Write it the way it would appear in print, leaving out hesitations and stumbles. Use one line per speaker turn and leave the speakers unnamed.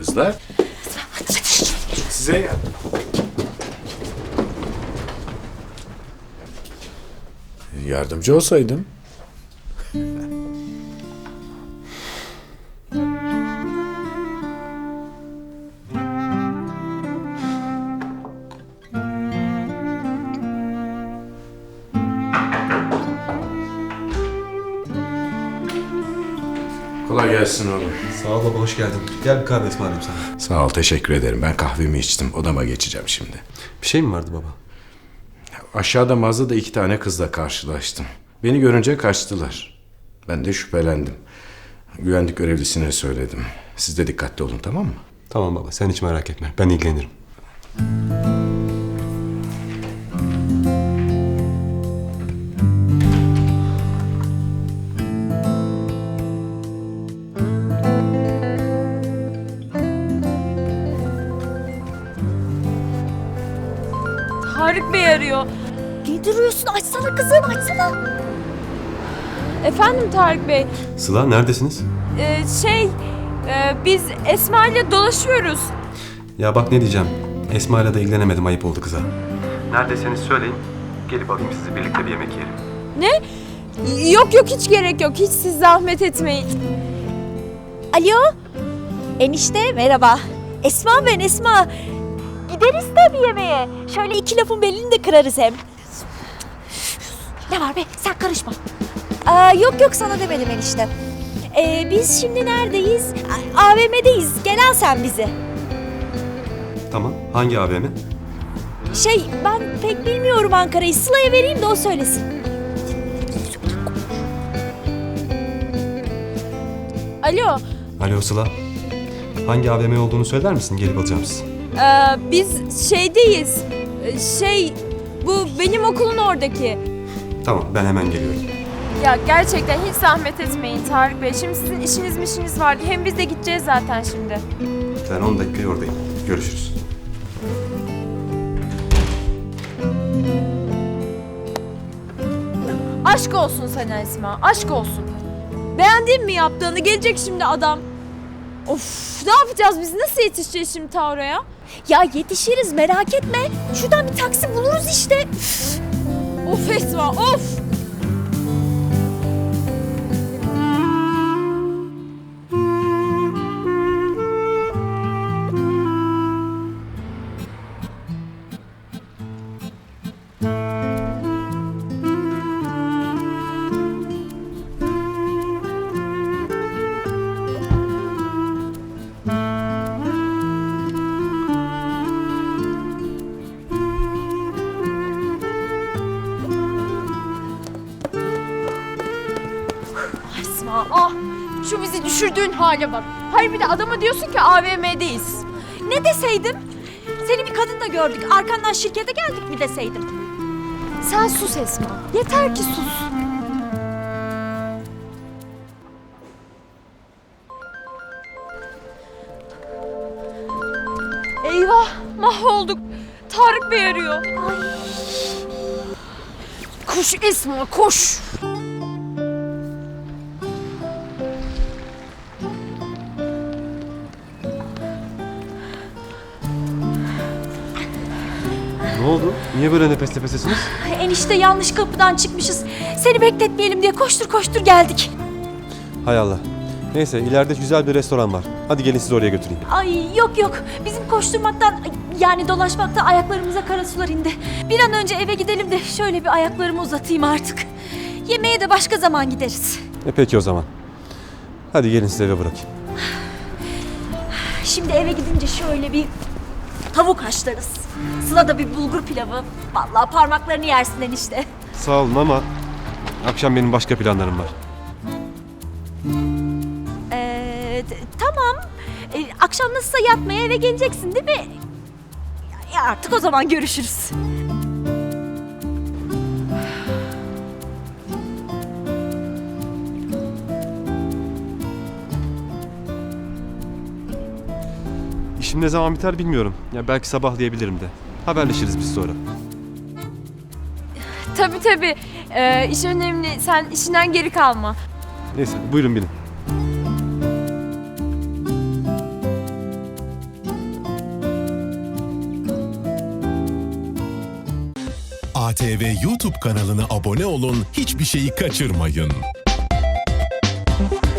Kızlar. Size yardımcı olsaydım. Kolay gelsin oğlum.
Sağ ol baba, hoş geldin. Gel bir kahve ısmarlayayım sana.
Sağ ol, teşekkür ederim. Ben kahvemi içtim. Odama geçeceğim şimdi.
Bir şey mi vardı baba?
Aşağıda mağazada 2 tane kızla karşılaştım. Beni görünce kaçtılar. Ben de şüphelendim. Güvenlik görevlisine söyledim. Siz de dikkatli olun, tamam mı?
Tamam baba, sen hiç merak etme. Ben ilgilenirim.
Tarık Bey arıyor.
Ne duruyorsun? Açsana kızım, açsana.
Efendim Tarık Bey.
Sıla, neredesiniz?
Biz Esma ile dolaşıyoruz.
Ya bak ne diyeceğim. Esma'yla da ilgilenemedim, ayıp oldu kıza. Neredesiniz söyleyin. Gelip alayım sizi, birlikte bir yemek yiyelim.
Ne? Yok hiç gerek yok. Hiç siz zahmet etmeyin.
Alo. Enişte merhaba. Esma ben, Esma. Gideriz tabii yemeğe. Şöyle 2 lafın belini de kırarız hem. Ne var be? Sen karışma. Yok sana demedim enişte. Biz şimdi neredeyiz? AVM'deyiz. Gel al sen bizi.
Tamam, hangi AVM?
Ben pek bilmiyorum Ankara'yı. Sıla'ya vereyim de o söylesin.
Alo.
Alo Sıla. Hangi AVM olduğunu söyler misin? Gelip alacağım sizi.
Biz şeydeyiz. Bu benim okulun oradaki.
Tamam, ben hemen geliyorum.
Ya gerçekten hiç zahmet etmeyin Tarık Bey. Şimdi sizin işiniz vardı. Hem biz de gideceğiz zaten şimdi.
Ben 10 dakikaya oradayım. Görüşürüz.
Aşk olsun sana Esma. Aşk olsun. Beğendin mi yaptığını? Gelecek şimdi adam. Of, ne yapacağız biz? Nasıl yetişeceğiz şimdi ta oraya?
Ya yetişiriz, merak etme. Şuradan bir taksi buluruz işte.
Of Esma, of! Esma, şu bizi düşürdüğün hale bak. Hayır bir de adama diyorsun ki AVM'deyiz.
Ne deseydim? Seni bir kadınla gördük. Arkandan şirkete geldik mi deseydim?
Sen sus Esma. Yeter ki sus. Eyvah, mahvolduk. Tarık Bey arıyor. Koş Esma, koş.
Ne oldu? Niye böyle nefes nefesesiniz?
Enişte yanlış kapıdan çıkmışız. Seni bekletmeyelim diye koştur geldik.
Hay Allah. Neyse, ileride güzel bir restoran var. Hadi gelin sizi oraya götüreyim.
Ay yok. Bizim koşturmaktan yani dolaşmaktan ayaklarımıza kara sular indi. Bir an önce eve gidelim de şöyle bir ayaklarımı uzatayım artık. Yemeğe de başka zaman gideriz.
Peki o zaman. Hadi gelin sizi eve bırakayım.
Şimdi eve gidince şöyle bir tavuk haşlarız. Sıla da bir bulgur pilavı. Vallahi parmaklarını yersin enişte.
Sağ olun ama akşam benim başka planlarım var.
Tamam. Akşam nasılsa yatmaya eve geleceksin değil mi? Ya artık o zaman görüşürüz.
İşim ne zaman biter bilmiyorum. Ya belki sabahlayabilirim de. Haberleşiriz biz sonra.
Tabii. İş önemli. Sen işinden geri kalma.
Neyse, buyurun binin.
ATV YouTube kanalına abone olun, hiçbir şeyi kaçırmayın.